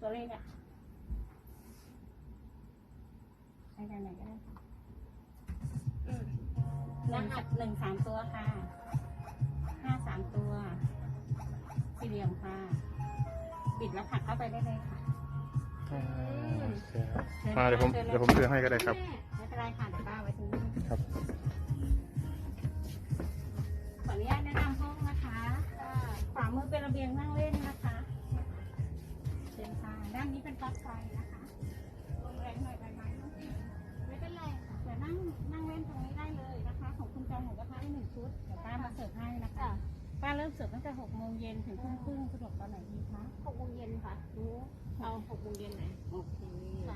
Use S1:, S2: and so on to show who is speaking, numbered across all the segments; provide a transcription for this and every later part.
S1: ตัวเลขอ่ะใช้ได้ไหนก็ได้ค่ะรหัส1 3 ตัวค่ะ5 3 ตัวสี่เหลี่ยมค่ะปิดแล้วผักเข้าไปได้เลยค่ะ
S2: มาเดี๋ยวผมซื้อให้ก็ได้ครับ
S1: ไม่เป็นไรค่ะเดี๋ยวป้าไว้ตรงนี้
S2: ครับ
S1: ขออนุญาตแนะนำห้องนะคะขวามือเป็นระเบียงนั่งเล่นนะคะเชิญค่ะด้านนี้เป็นปลั๊กไฟนะคะลงแรงหน่อยใบไม้ไม่เป็นไรค่ะเดี๋ยวนั่งเล่นตรงนี้ได้เลยนะคะของคุณจองหมูกระทะได้1 ชุดเดี๋ยวป้ามาเสิร์ฟให้นะคะป้าเริ่มเสิร์ฟตั้งแต่6 โมงเย็นถึงทุ่มครึ่งสะดวกตอนไหนดีคะ
S3: 6 โมงเย็นค่ะเอา6 โมงเย็นไหนโอเค
S1: ค่ะ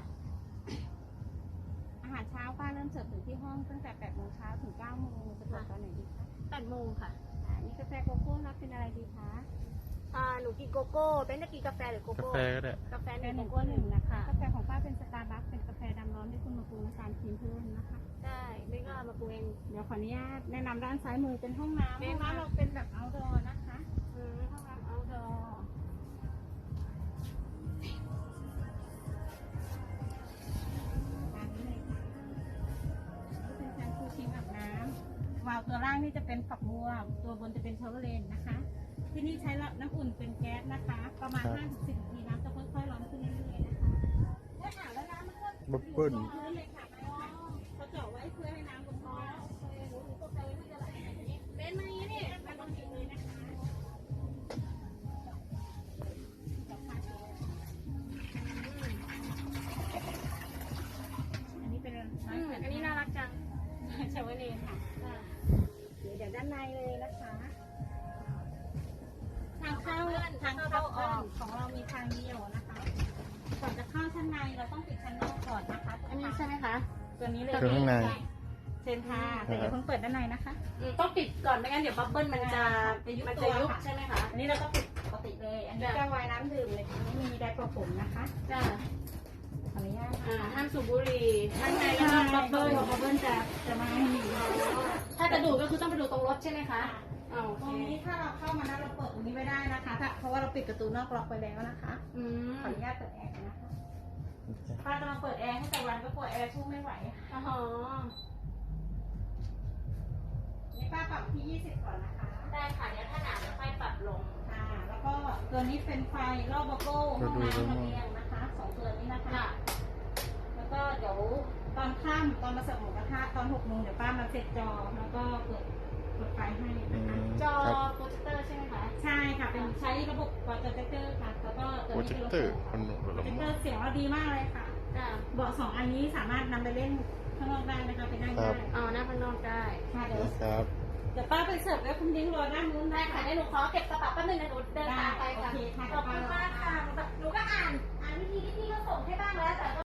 S1: อาหารเช้าป้าเริ่มเสิร์ฟถึงที่ห้องตั้งแต่8 โมงเช้าถึง9 โมงสะดวกตอนไหนดีคะ
S3: 8 โมงค่ะ
S1: นี่กาแฟโกโก้รับเป็นอะไรดีคะ
S3: หนูกินโกโก้เป็นจะกินกาแฟหรือโก
S2: กา
S3: โก้
S2: แฟก็ได้
S3: กาแฟ
S1: กาแฟ
S3: 1
S1: 1 โกโก้ 1นะคะกาแฟของป้าเป็นสตาร์บัคเป็นกาแฟดำร้อนที่คุณมาปรุงน้ำตาลครีมเพิ่มนะคะ
S3: ได้ไม่ก็มาปรุงเอง
S1: เดี๋ยวขออนุญาตแนะนำด้านซ้ายมือเป็นห้องน้ำห้องน้ำเราเป็นแบบ outdoor นะคะห้องน้ำ outdoor ตามนี้เลยค่ะเป็นแชมพูครีมอาบน้ำวาล์วตัวล่างนี่จะเป็นฝักบัวตัวบนจะเป็นชาวเวอร์เลนนะคะ ที่นี่ใช้น้ำอุ่นเป็นแก๊สนะคะ ประมาณ 5-10 นาทีน้ำจะค่อยๆร้อนขึ้นเรื่อยๆนะคะถ้าถามแล้วน้ำมันก็
S2: บับเบิ้ล
S1: พื้นเลยค่ะเขาเจาะไว้เพื่อให้น้ำลงท่อหนูตกใจว่าจะไหลเป็นมาอย่างนี้นี่มันต้องปิดเลยนะคะอันนี้เป็น
S3: อันนี้น่ารักจัง
S1: ชาวเวอร์เลนค่ะเดี๋ยวด้านในเลยนะคะทางเข้าออกของเรามีทางเดียวนะคะก่อนจะเข้าชั้นในเราต้องปิดชั้นนอกก่อนนะคะ
S3: อันนี้ใช่ไหมคะ
S1: ตัวนี้เลย
S2: คือข้างใน
S1: เชิญค่ะแต่อย่าเพิ่งเปิดด้านในนะคะ
S3: ต้องปิดก่อนไม่งั้นเดี๋ยวบับเบิ้ลมันจะยุบใช่ไหมคะ
S1: อันนี้เราก็ปิดปกติเลยอันนี้แก้วไวน์น้ำดื่มเลยไม่มีไดร์โปรผมนะคะ
S3: จ้า
S1: ขออนุญาต
S3: ห้ามสูบบุหรี่ข้างในแล้วก็บับเบิ้ล
S1: จะมาให้มี
S3: ถ้าจะดูดก็คือต้องไปดูตรงรถใช่ไหมคะ
S1: ตรงนี้ถ้าเราเข้ามานะเราเปิดตรงนี้ไม่ได้นะคะเพราะว่าเราปิดประตูนอกล็อกไปแล้วนะคะขออนุญาตเปิดแอร์นะคะป้าจะมาเปิดแอร์ให้แต่วันก็ปวดแอร์สู้ไม่ไหวนี่ป้าปรับที่20ก่อนนะคะ
S3: ได้ค่ะเดี๋ยวถ้าหนาวจะค่อยปรับลง
S1: แล้วก็ตัวนี้เป็นไฟรอบบับเบิ้ลห้องน้ำระเบียงนะคะ2 ตัวนี้นะคะแล้วก็เดี๋ยวตอนค่ำตอนมาเสิร์ฟหมูกระทะตอน6 โมงเดี๋ยวป้ามาเสร็จจอแล้วก็เปิดไฟให้นะคะ
S3: จอโปรเจคเตอร์ใช่ไหมคะ
S1: ใช่ค่ะเป็นใช้ระบบโปรเจคเตอร์ค่ะแล้วก็
S2: โปรเจคเตอร์คนหนุ่ม
S1: โปรเจคเตอร์เสียงเราดีมากเลยค่ะเบาะ2 อันนี้สามารถนำไปเล่นข้างนอกได้นะคะไปนั่งได้
S3: หน้าข้างนอกได้
S1: ค่ะเดี๋ยวป้าไปเสิร์ฟแล้วคุณดิ้งรอด้านนู้น
S3: ได้ค่ะได้หนูขอเก็บกระเป๋าแป๊บนึงนะหนูเดินตามไปค่ะขอบคุณมากค่ะหนูก็อ่านวิธีที่พี่เขาส่งให้บ้างแล้วแต่